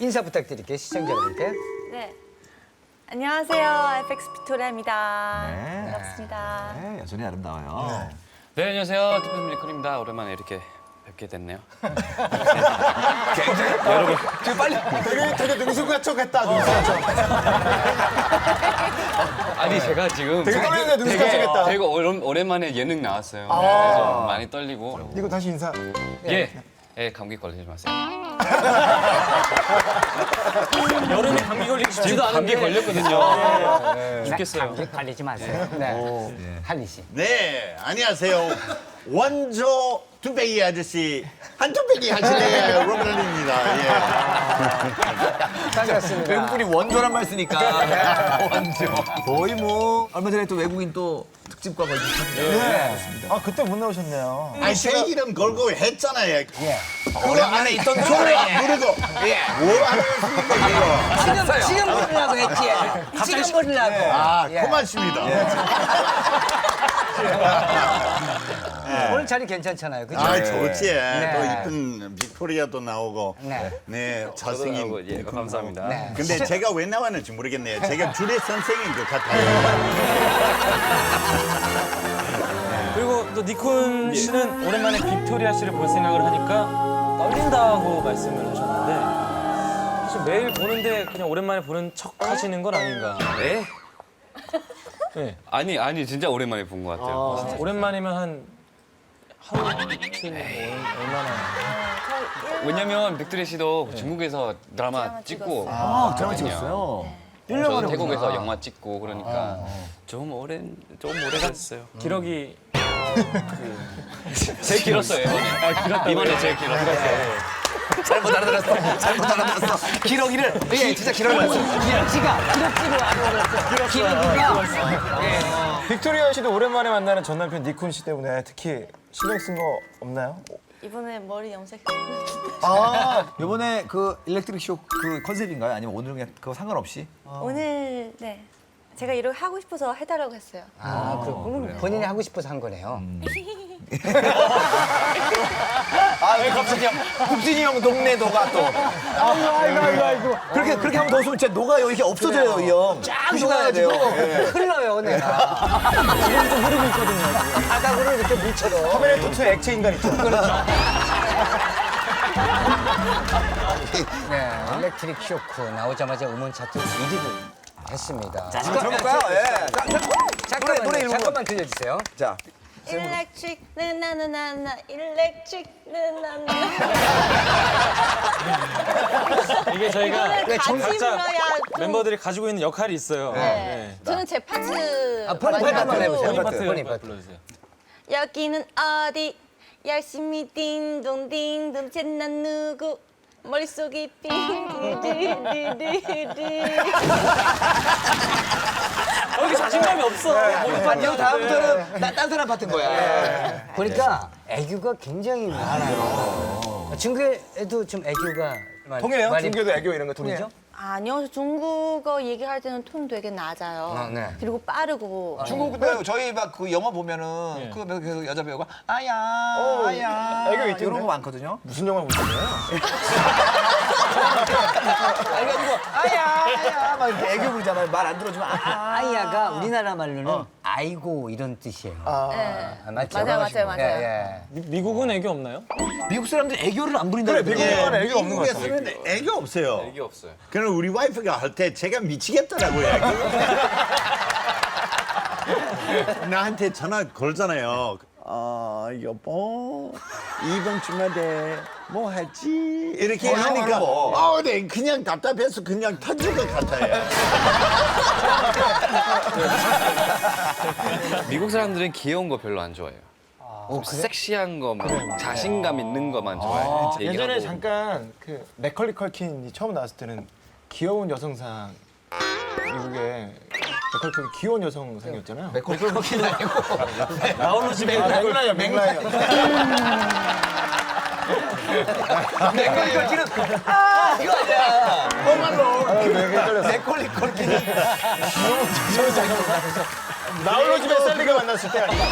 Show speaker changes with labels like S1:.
S1: 인사 부탁드릴게요, 시청자 여러분께.
S2: 네. 안녕하세요. FX 빅토리아입니다.
S3: 네.
S2: 반갑습니다.
S3: 네, 여전히 아름다워요.
S4: 네, 안녕하세요. 투표밀 리콜입니다. 오랜만에 이렇게 뵙게 됐네요.
S3: 여러분, 지금 빨리.
S5: 되게 능숙하척했다. 능숙하척.
S4: 아니, 제가 지금
S5: 되게 떨리는데 능숙하척했다.
S4: 되게 오랜만에 예능 나왔어요. 그래서 많이 떨리고.
S5: 이거 다시 인사.
S4: 예, 감기 걸리지 마세요.
S6: 여름에 감기 걸리기 쉽지도
S4: 지금 감기
S6: 않은데
S4: 걸렸거든요. 죽겠어요.
S1: 감기 걸리지 마세요. 네. 한리 씨.
S7: 네, 안녕하세요. 원조 뚝배기 아저씨 한뚝배기 하실래요? 로블린입니다. 예.
S1: 반갑습니다.
S3: 외국분이 원조란 말 쓰니까. 원조. 거의 뭐, 얼마 전에 또 외국인 또 특집과 걸리셨는데.
S5: 네. 아, 그때 못 나오셨네요.
S7: 아니, 제 이름 걸고 했잖아요.
S1: 예.
S7: 그 안에 있던 소리 부르고. 예. 뭐 하겠습니까, 이거?
S1: 지금 부르려고 했지. 지금 부르려고.
S7: 아,
S1: 예.
S7: 고맙습니다.
S1: 오늘 자리 괜찮잖아요, 그죠?
S7: 아, 좋지.
S1: 네.
S7: 또 이쁜 빅토리아도 나오고.
S1: 네.
S7: 네, 잘생긴.
S4: 예, 감사합니다.
S1: 네.
S7: 근데 제가 왜 나왔는지 모르겠네요. 제가 주례 선생인 것 같아요.
S6: 그리고 또 니콘 씨는 오랜만에 빅토리아 씨를 볼 생각을 하니까 떨린다고 말씀을 하셨는데 사실 매일 보는데 그냥 오랜만에 보는 척 하시는 건 아닌가.
S4: 네?
S6: 네.
S4: 아니, 진짜 오랜만에 본 것 같아요.
S6: 오랜만이면 한 하루 이틀 얼마나.
S4: 왜냐면 빅토리 씨도 중국에서 드라마 찍고.
S3: 아, 드라마 찍었어요.
S4: 저도 태국에서 영화 찍고 그러니까 좀 오래 갔어요.
S6: 기러기
S4: 제일 길었어요, 이번에. 이번에 제일 길었어요.
S3: 잘못 알아들었어. 잘못 알아들었어. 기러기를. 예, 진짜 기러기를.
S1: 기럭지가 기럭지가
S5: 빅토리아 씨도 오랜만에 만나는 전 남편 니콘 씨 때문에 특히 신경 쓴 거 없나요?
S2: 이번에 머리 염색.
S3: 이번에 그 일렉트릭 쇼 그 컨셉인가요? 아니면 오늘 그냥 그거 상관없이?
S2: 오늘 네. 제가 이렇게 하고 싶어서 해달라고 했어요.
S1: 아, 그럼 본인이 하고 싶어서 한 거네요.
S3: 아, 왜 갑자기 국진이 형 동네 녹아 또. 아이고. 그렇게 하면 더 웃으면 진짜 녹아요. 이렇게 없어져요, 이 형.
S1: 쫙
S3: 조심해야 돼요.
S1: 녹아가지고 흘러요, 내가. 지금도 흐르고 있거든요. 바닥으로 이렇게 물처럼.
S5: 카메라 토트 액체 인간 있죠.
S1: 네, 일렉트릭 쇼크 나오자마자 음원 차트 1위를 했습니다.
S3: 자, 들어볼까요? 예. 노래
S1: 잠깐만 들려주세요.
S3: 자.
S2: 일렉트릭 나나나나 일렉트릭 나나나.
S6: 이게 저희가
S2: 이거를 같이
S6: 각자
S2: 불러야 좀.
S6: 멤버들이 가지고 있는 역할이 있어요.
S2: 네. 저는 제 파트.
S1: 아, 본인 파트 한번 해보세요.
S6: 본인 파트
S1: 본인 파트.
S6: 불러주세요.
S2: 여기는 어디? 열심히 띵동띵동 쟤난 누구? 머릿속이 빙디디디디디.
S6: 여기 자신감이 없어.
S3: 이거 다음부터는 딴 사람 파트인 거야.
S1: 보니까 애교가 굉장히 많아요. 중국에도 좀 애교가
S5: 통해요?
S1: 많이
S5: 중교도 애교 이런 거 통해요?
S1: 보이죠?
S2: 아니요, 중국어 얘기할 때는 톤 되게 낮아요.
S1: 아, 네.
S2: 그리고 빠르고.
S3: 중국도 저희 막 그 영화 보면은 그 계속 여자 배우가 아야
S5: 애교 있던데?
S3: 이런 거 많거든요.
S5: 무슨 영화 보셨나요?
S3: 그래가지고 아야 막 이렇게 애교 부리잖아요. 말 안 들어주면
S1: 아이야가 우리나라 말로는 아이고 이런 뜻이에요.
S2: 네.
S1: 맞죠?
S2: 맞아요.
S1: 예.
S6: 미국은 애교 없나요?
S3: 미국 사람들 애교를 안 부린다고
S5: 그래, 미국은 애교 없는 것 같아.
S7: 미국에서는 애교 없어요.
S4: 이게 없어요.
S7: 그럼 우리 와이프가 할 때 제가 미치겠더라고요. 나한테 전화 걸잖아요. 여보, 이번 주말에 뭐 하지? 이렇게 하니까, 네, 그냥 답답해서 그냥 터질 것 같아요.
S4: 미국 사람들은 귀여운 거 별로 안 좋아해요. 좀 섹시한 거, 막 자신감 있는 거만 좋아해요.
S5: 예전에
S4: 얘기하고.
S5: 잠깐 그 맥컬리 컬킨이 처음 나왔을 때는 귀여운 여성상 미국에 맥컬리 컬킨 귀여운 여성상이었잖아요.
S3: 맥콜 컬킨 아니고
S6: 나홀로 집에
S5: 맥라이어.
S3: 맥콜 컬킨은 이거 아니야.
S5: 헷갈렸어.
S3: 맥콜리 컬킨은
S5: 나홀로 집에 셀리가 만났을 때 아니야.